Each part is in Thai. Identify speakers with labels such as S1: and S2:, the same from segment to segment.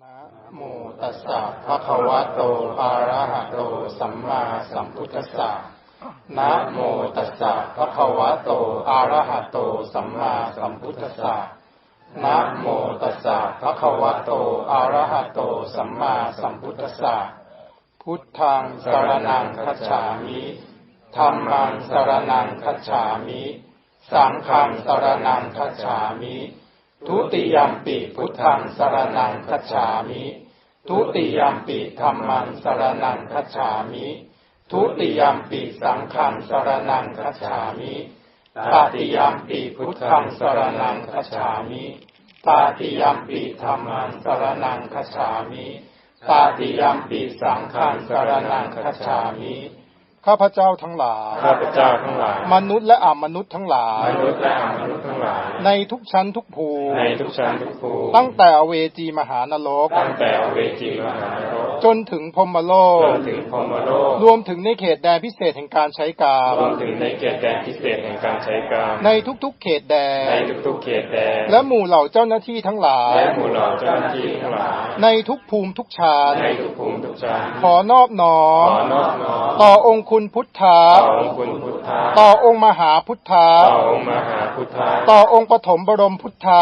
S1: นะโมตัสสะภะคะวะโตอะระหะโตสัมมาสัมพุทธัสสะนะโมตัสสะภะคะวะโตอะระหะโตสัมมาสัมพุทธัสสะนะโมตัสสะภะคะวะโตอะระหะโตสัมมาสัมพุทธัสสะพุทธังสรณังคัจฉามิธัมมังสรณังคัจฉามิสังฆังสรณังคัจฉามิทุติยัมปิพุทธังสรณังคัจฉามิทุติยัมปิธัมมังสรณังคัจฉามิทุติยัมปิสังฆังสรณังคัจฉามิตติยัมปิพุทธังสรณังคัจฉามิตติยัมปิธัมมังสรณังคัจฉามิตติยัมปิสังฆังสรณังคัจฉามิข้าพเจ้าทั้งหลาย
S2: ข้าพเจ้าทั้งหลาย
S1: มนุษย์และอมนุษย์ทั้งหลาย
S2: มนุษย์และอมนุษย์ทั้งหลาย
S1: ในทุกชั้นทุกภูมิ
S2: ในทุกชั้นทุกภูมิ
S1: ตั้งแต่อเวจีมหานรก
S2: ตั้งแต่อเวจีมหานรก
S1: จนถึงพรหมโลก
S2: จนถึงพรหมโลก
S1: รวมถึงในเขตแดนพิเศษแห่งการใช้กาม
S2: รวมถึงในเขตแดนพิเศษแห่งการใช้กาม
S1: ในทุกๆเขตแดน
S2: ในทุกๆเขตแดน
S1: และหมู่เหล่าเจ้าหน้าที่ทั้งหลาย
S2: และหมู่เหล่าเจ้าหน้าที่ทั้งหลาย
S1: ในทุกภูมิทุกชั้น
S2: ในทุกภูมิทุกชั้น
S1: ขอนอบน้อมต่อองค์คุณพุทธะต่อองค์มหาพุทธะต่อองค์ปฐมบรมพุทธะ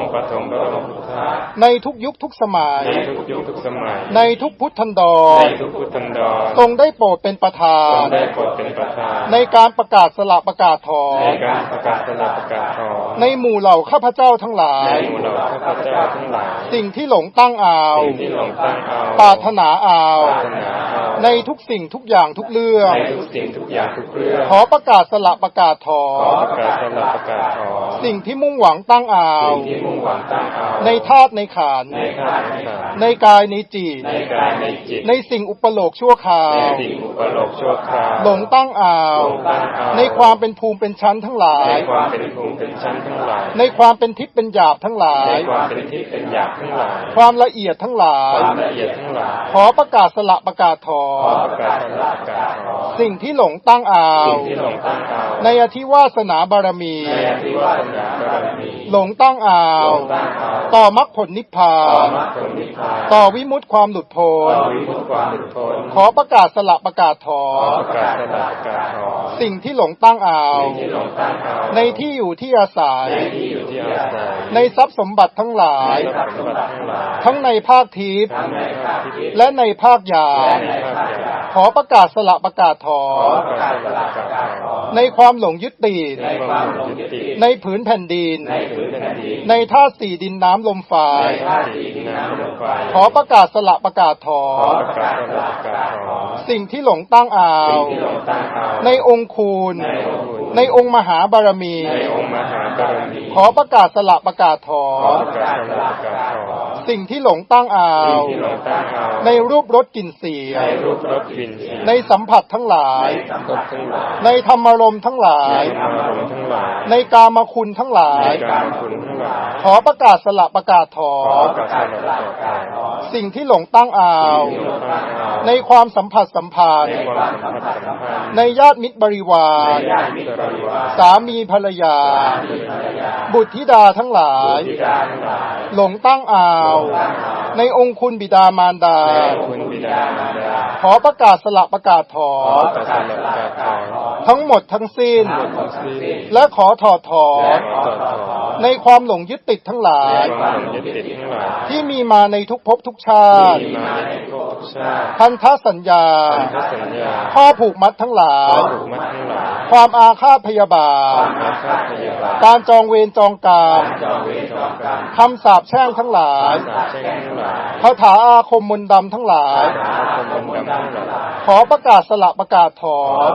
S1: ในทุกยุคทุกสมัยในทุกพุทธันดรทรงได้โปรดเป็นประธานในการประกาศสละประกาศถอนในหมู่เหล่าข้าพเจ้าทั้งหลายสิ่งที่หลงตั้งเอาปรารถนาเอาในทุกสิ่งทุกอย่างทุกเรื่องขอประกาศสละประกาศถอนสิ่งที่มุ่งหวังตั้งเอาในธาตุในขันธ์ในกายในจิตในสิ่งอุปโลกชั่วคราวหลงตั้งเอาในความเป็นภูมิเป็นชั้นทั้งหลายในความเป็นทิพย์เป็นหยาบทั้งหลายความละเอียดทั้งหลายขอประกาศสละประกาศถอนสิ่งที่หลงตั้งเอาในอธิวาสนาบารมีหลงตั้งเอาต่อมรรคผลนิพพานต่อวิมุตติความหลุดพ้นขอประกาศสละประกาศถอนสิ่งที่หลงตั้งเอาในที่อยู่ที่อาศัยในทรัพย์สมบัติทั้งหลายทั้งในภาคทิพย์และในภาคหยาบขอประกาศสละประกาศถอนในความหลงยึดติดในผืนแผ่นดินในธาตุสี่ดินน้ำลมไฟขอประกาศสละประกาศถอนสิ่งที่หลงตั้งเอาในองค์คูณในองค์มหาบารมีขอประกาศสละประกาศถอนสิ่งที่หลงตั้งเอาในรูปรสกลิ่นเสียงในสัมผัสทั้งหลายในธรรมารมณ์ทั้งหลายในกามคุณทั้งหลายขอประกาศสละประกาศถอนสิ่งที่หลงตั้งเอาในความสัมผัสสัมพันธ์ในญาติมิตรบริวารสามีภรรยาบุตรธิดาทั้งหลายหลงตั้งเอาในองค์คุณบิดามารดาขอประกาศสละประกาศถอนทั้งหมดทั้งสิ้นและขอถอดถอนในความหลงยึดติดทั้งหลายที่มีมาในทุกภพทุกชาติพันธสัญญาข้อผูกมัดทั้งหลายความอาฆาตพยาบาทการจองเวรจองกรรมคำสาปแช่งทั้งหลายคาถาอาคมมนต์ดำทั้งหลายขอประกาศสละประกาศถอน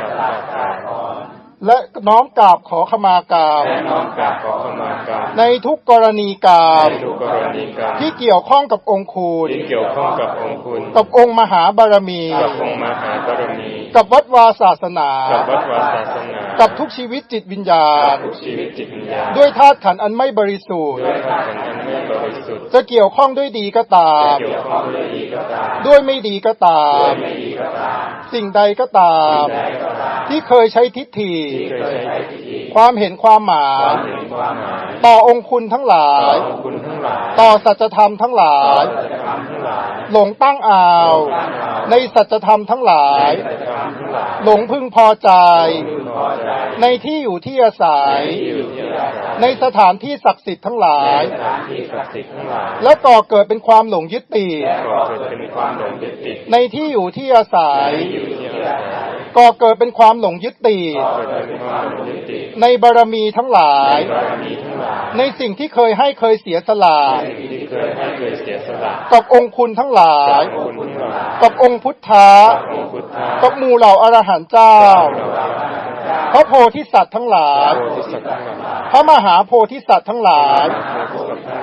S1: และน้อมกราบขอขมากรรมในทุกกรณีกรรมที่เกี่ยวข้องกับองค์คุณกับองค์มหาบารมีกับวัดวาศาสนากับทุกชีวิตจิตวิญญาณด้วยธาตุขันธ์อันไม่บริสุทธิ์จะเกี่ยวข้องด้วยดีก็ตามด้วยไม่ดีก็ตามสิ่งใดก็ตามที่เคยใช้ทิฏฐิความเห็นความหมายต่อองค์คุณทั้งหลาย
S2: งหลาย
S1: ต่อสัจธรรมทั้งหลาย
S2: สัจธรรมทั้งหลาย
S1: หลงตั้งอ่าวในสัจธรรมทั้งหลาย
S2: สัจธรรมทั้งหลาย
S1: หลงพึงพอใจ
S2: พึงพอใจ
S1: ในที่อยู่ที่อาศัย
S2: ที่อยู่ที่อาศัย
S1: ในสถานที่ศักดิ์สิทธิ์ทั้งหลาย
S2: ในสถานที่ศักดิ์สิทธิ์ทั้งหลาย
S1: และก่อเกิดเป็นความหลงยึดติด
S2: ก่อเกิดเป็นความหลงยึดติด
S1: ในที่อยู่ที่อาศัย
S2: ที่อยู่ที่อาศัย
S1: ก่อเกิดเป็นความหลงยึดติด
S2: ก่อเกิดเป็นความหลงยึดติด
S1: ในบารมีทั้งหลาย
S2: บารมีทั้งหลาย
S1: ในสิ่งที่เคยให้เคยเสียสละ
S2: ที่เคยให้เคยเสียสละ
S1: กับองค์คุณทั้งหลาย
S2: คุณทั้งหลาย
S1: กับองค์พุทธะ
S2: องค์พุทธะ
S1: กับหมู่เหล่าอรหันต์เจ้า พระโพธิสัตว์ทั้งหลาย
S2: โพธิสัตว์ทั้งหลาย
S1: พระมหาโพธิสัตว์ทั้งหลาย
S2: โพธิสัตว์ทั้งหลาย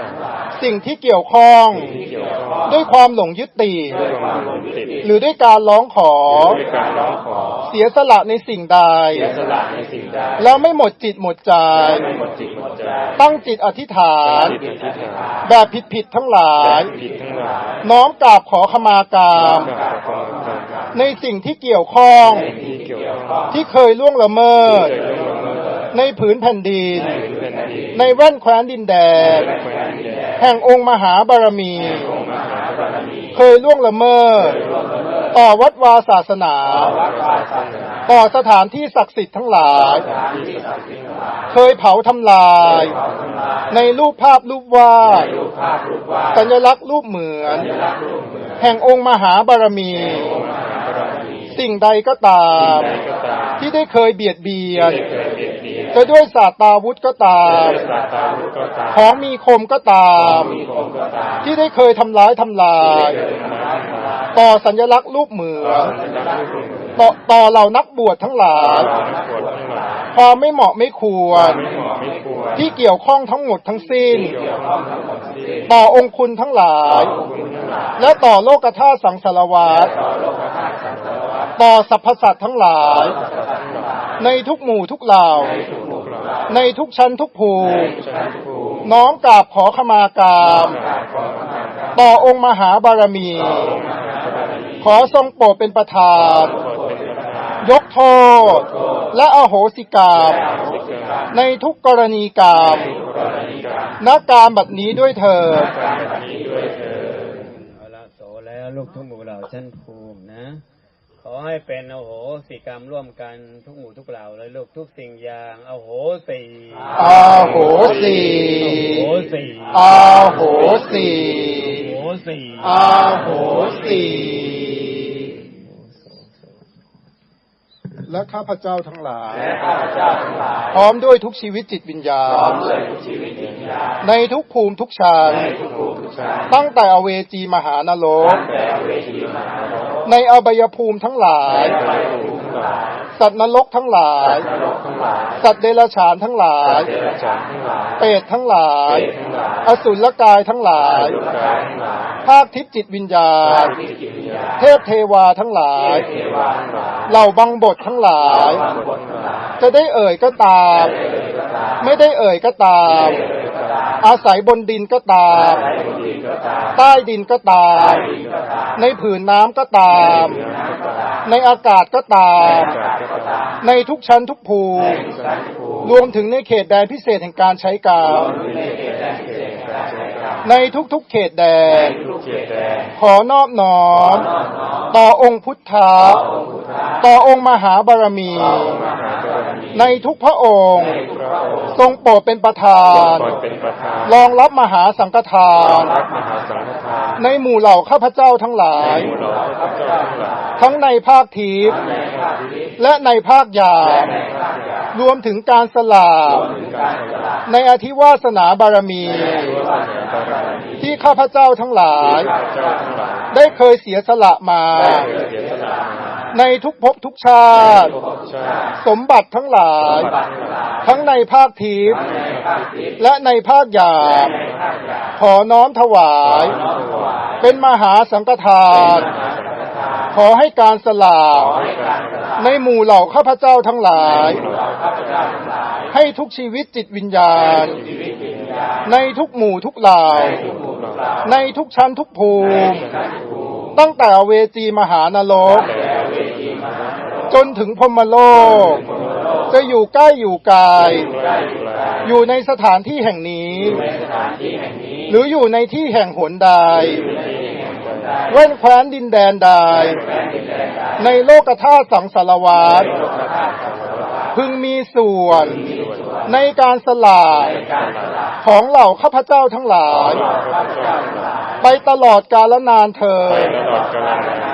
S1: สิ่งที่เกี่ยวข้อง
S2: ที่เกี่ยวข้อง
S1: ด้วยความหลงยึดติด
S2: ด้วยความหลงยึดติด
S1: หรือด้วยการร้องขอ
S2: ด้วยการร้องขอ
S1: เสียสละในสิ่งใด
S2: เสียสละในสิ่งใด
S1: แล้วไม่หมดจิตหมดใจ
S2: ไม่หมดจิตหมดใจ
S1: ตั้งจิตอธิษฐาน
S2: จิตอธิษฐาน
S1: แบบผิดๆทั้งหลาย
S2: ผิดทั้งหลาย
S1: น้อมกราบขอขมากรรม
S2: กับความกรรม
S1: ในสิ่งที่เกี่ยวข้อง
S2: ที่เกี่ยวข้อง
S1: ที่เคยล่วงละเมิด
S2: เคยล่วงละเมิด
S1: ในผืนแผ่นดิน
S2: ในพื้นแผ่นดิน
S1: ในแว่นแคว้นดินแดน
S2: ในแคว้นดินแดน
S1: แห่งองค์มหาบารมี
S2: องค์มหาบารมี
S1: เคยล่วงละเมิด ต่อวัดวาศาสนา
S2: วัดวาศาสนา
S1: ต่อสถานที่ศักดิ์สิทธิ์ทั้งหลาย
S2: ที่ศักดิ์สิทธิ์ทั้งหลาย
S1: เคยเผาทำลาย ในรูปภาพรูปวาด
S2: รูปภาพรูปวาด
S1: สัญลักษณ์รูปเหมือน
S2: สัญลักษณ์รูปเหมือน
S1: แห่งองค์มหาบารมี
S2: องค์มหาบารมี
S1: สิ่งใดก็ตาม
S2: ใดก็ตาม
S1: ที่ได้เคยเบียดเบียน
S2: ที่เคยเบียดเบียน
S1: จะด้วยศาสตราวุธก็ตาม
S2: ด้วยสาตาวุธก็ตาม
S1: ของมีคมก็ตาม
S2: มีคมก็ตาม
S1: ที่ได้เคยทำร้ายทำลาย
S2: เกิดมาทำลาย
S1: ต่อสัญลักษณ์รูปเหมือน
S2: สัญลักษณ์รูปเหมือน
S1: ต่อเหล่านักบวชทั้งหลาย
S2: นักบวชทั้งหลาย
S1: ความไม่เหมาะไม่ควร
S2: ไม่เหมาะไม่ควร
S1: ที่เกี่ยวข้องทั้งหมดทั้งสิ้น
S2: เกี่ยวข้องทั้งหมดสิ้น
S1: ต่อองค์คุณทั้งหลาย
S2: คุณทั้งหลาย
S1: และต่อโลกธาตุสังสารวัฏ
S2: ต่อโลกธาตุสังสารวัฏ
S1: ต่อสรรพสัตว์ทั้งหลาย
S2: ทั้งหลาย
S1: ในทุกหมู่ทุกเหล่า
S2: ในทุกหมู่เหล่า
S1: ในทุกชั้นทุกภูมิ
S2: ชั้นภูมิ
S1: น้อมกราบขอขมากรรม ต่อองค์มหาบารมี ขอทรงโปรดเป็นประธาน ยกโทษ และอโหสิกรรมในทุกกรณีกรรมณการบัดนี้ด้วยเถิด
S3: เอาละโสแล้วลูกทุกหมู่เหล่าชั้นภูมินะ ขอให้เป็นอโหสิกรรมร่วมกันทุกหมู่ทุกเหล่าเลยลูกทุกสิ่งอย่างอโหสิ
S1: อาโหสี
S3: อโหสิ
S1: อาโหสี
S3: อโหสิ
S1: อาโหสีและข้าพเจ้าทั้งหลาย พร้อมด้วยทุกชีวิตจิตวิญญาณ ในทุกภูมิทุกชั้น ตั้งแต่อเวจีมหานรก ในอบายภูมิทั้งหลาย สัตว์นรกทั้งหลาย สัตว์เดรัจฉานทั้งหลาย เปรตทั้งหลาย อสุรกายทั้งหลาย ภาคทิพย์จิตวิญญาณ เทพเทวาทั้งหลาย เหล่าบังบททั้งหลาย จะได้เอ่ยก็ตาม ไม่ได้เอ่ยก็ตาม อาศัยบนดินก็ตาม ใต้ดินก็ตาม ในผืนน้ำก็ตาม ในอากาศก็ตาม ในทุกชั้นทุกภูมิ รวมถึงในเขตแดนพิเศษแห่งการใช้กรรม ในทุกๆเขตแดน ขอนอบน้อม ต่อองค์พุทธะ ต่อองค์มหาบารมี ในทุกพระองค์ ทรงโปรดเป็นประธาน รองรับมหาสังฆทาน ในหมู่เหล่าข้าพเจ้าทั้งหลาย ทั้งในภาคทิพย์และในภาคหยาบรวมถึงการสละในอธิวาสนาบารมี ที่ข้าพเจ้าทั้งหลาย ได้เคยเสียสละมา ในทุกภพทุกชาติ สมบัติทั้งหลาย ทั้งในภาคทิพย์และในภาคหยาบขอน้อมถวาย เป็นมหาสังฆทาน ขอให้การสละในหมู่เหล่าข้าพเจ้าทั้งหลาย ให้ทุกชีวิตจิตวิญญาณ ในทุกหมู่ทุกเหล่า ในทุกชั้นทุกภูมิ ตั้งแต่อเวจีมหานรก จนถึงพรหมโลก จะอยู่ใกล้อยู่ไกล อยู่ในสถานที่แห่งนี้ ในหรืออยู่ในที่แห่งหนใดเว้นแคว้นดินแดนใดในโลกธาตุสังสารวัฏพึงมีส่วนในการสละของเหล่าข้าพเจ้าทั้งหลายไปตลอดกาลนานเทอญ